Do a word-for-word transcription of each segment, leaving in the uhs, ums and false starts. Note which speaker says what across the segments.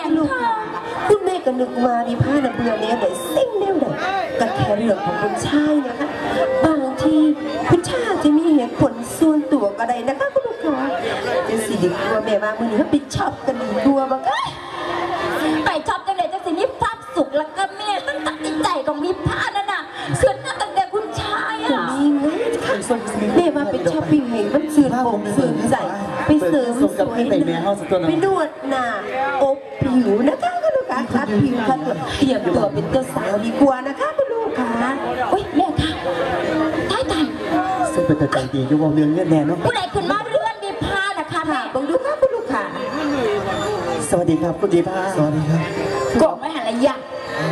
Speaker 1: ลูกคุณแม่ก็นึกมาดีผ้าหนังเบื่อเนี้ยไหนซิ่งแนวไหนก็แค่เรื่องของคุณชายนะคะบางทีคุณชายจะมีเหตุผลส่วนตัวก็ได้นะคะคุณลูกค้าจะสิดีกว่าแม่มาเมื่อนี้เขาไปช็อปกันดีกว่าบ้าง
Speaker 2: ไปช็อปกันเลยจะสิมีภาพสุขแล้วก็แม่ตั้งตัดใจของมีผ้านั่นน่ะส่วนนั่นตั้งแต่คุณชายอ่ะ
Speaker 1: มีเงินแม่มาเป็นช้อปปิ้งให้มันสื่อผมสื่อใจไปเสริมสวยไปนวดหน้าอบผิวนะคะคุณลูกค้าคัดผิวคัดตัวเตรียมตัวเป็นเจ้าสาวดีกว่านะคะคุณลูกค้า
Speaker 2: โอ๊ยแม่ค่ะตายตาย
Speaker 3: ซึ่งเป็นใจดีอยู่วงเรื่องเงื่อนแน่เนาะ
Speaker 2: ผู้ใดขึ้นมาเรื่องมีผ้านะคะแม่
Speaker 1: บังดูค่ะคุณลูกค้า
Speaker 3: สวัสดีครับคุณดีผ้าสวัสดีครับ
Speaker 2: กบไม่หันระยะ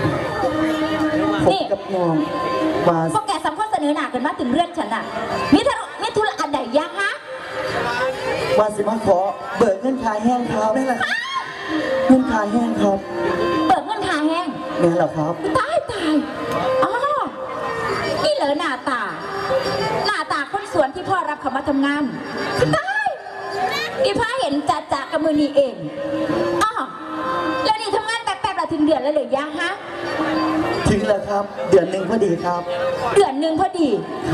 Speaker 3: นี่กับน้องมา
Speaker 2: พวกแกสำคัญเสนอหน้ากันมาถึงเรื่องฉันน่ะมิธุมิธุระอันใดยะฮะ
Speaker 3: ว่าสิมาขอเบิกเงินขายแห้งครับได้เลยเงินขายแห้งครับ
Speaker 2: เบิกเงินขายแห้ง
Speaker 3: นี่เหรอครับ
Speaker 2: ตายตายอ๋อนี่เหรอหน้าตาหน้าตาคนสวนที่พ่อรับเขามาทำงานตายอีพ่อเห็นจ่าจ่ากับมือนี่เองอ๋อแล้วนี่ทำงานแป๊บๆเราถึงเดือนแล้วเหรอยะฮะ
Speaker 3: ถึงแล้วครับเดือนหนึ่งพอดีครับ
Speaker 2: เดือนหนึ่งพอดี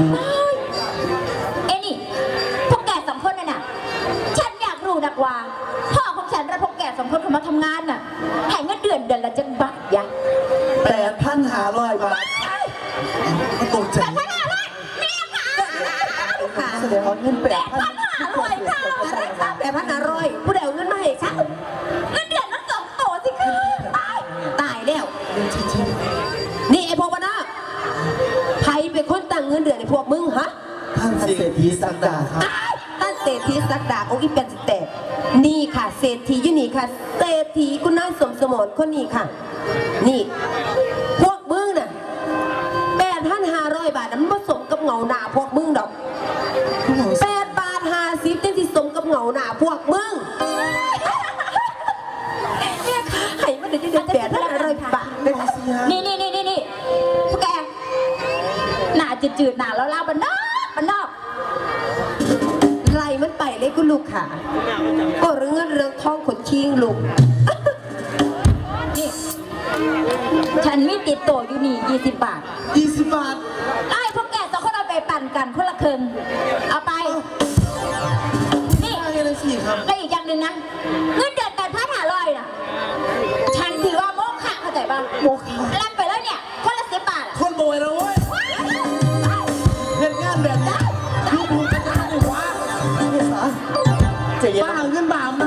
Speaker 2: เอ้นี่พวกแกสองคนน่ะน่ะฉันอยากรู้นักว่าพ่อของฉันและพวกแกสองคนเขามาทำงานน่ะให้เงินเดือนเดือนละจังบาทยะ
Speaker 3: แปดพันห้าร้อยบาทตกใจ
Speaker 2: แปดพันห้าร้อยแม่ค่ะ
Speaker 3: แสดงว่าเงินแปดพัน
Speaker 2: ห้าร้อยค่ะ
Speaker 1: แปดพันห้าร้อยผู้ใดเอาเงินมาให้ค่ะ
Speaker 2: เงินเดือนมันสองโตสิค่ะตาย
Speaker 1: ตายแล้วนี่ไอพวกวะนะใครเป็นคนตั้งเงินเดือนไอพวกมึงฮะ
Speaker 3: ท่านเศรษฐีสักดาครับ
Speaker 1: ท่านเศรษฐีสักดาองค์อีเป็นสเตปนี่ค่ะเศรษฐียุนี่ค่ะเศรษฐีคุณน้าสมสมรคนนี้ค่ะนี่พวกมึงน่ะแปดพันห้าร้อยบาทนั้นผสมกับเงาหน้าพวกมึงดอกแปดบาทห้าสิบเต็มที่สมกับเงาหน้าพวกมึงเนี่ยให้มันได้เดือนแปดพันห้าร้อยบาท
Speaker 2: นี่นี่นี่นี่นี่พวกแกหน้าจืดๆหน้าแล้วเล่าบันนอกบันนอก
Speaker 1: ไรมันไปเลยคุณลูกค่ะก็เรื่องเรื่องท้องขนชิงลูก
Speaker 2: นี่ฉันมีติดโตอยู่นี่ยี่สิบบาท
Speaker 3: ยี่สิบบาท
Speaker 2: ไอ้พวกแกสองคนเอาไปปั่นกันคนละครึ่งเอาไปนี่แล้วอีกอย่างหนึ่งนะเงินเดือนแปดพันห้าร้อยน่ะฉันถือว่าโมฆะเข้าใจป่ะ
Speaker 3: โมฆะ
Speaker 2: รับไปแล้วเนี่ยคนละสิบบาท
Speaker 3: คนโบยแล้วเว้ยเห็นงานแบบนี้ดูดูกันได้เลยวะนี่สาเจ๊บ้าเงินบาปนะ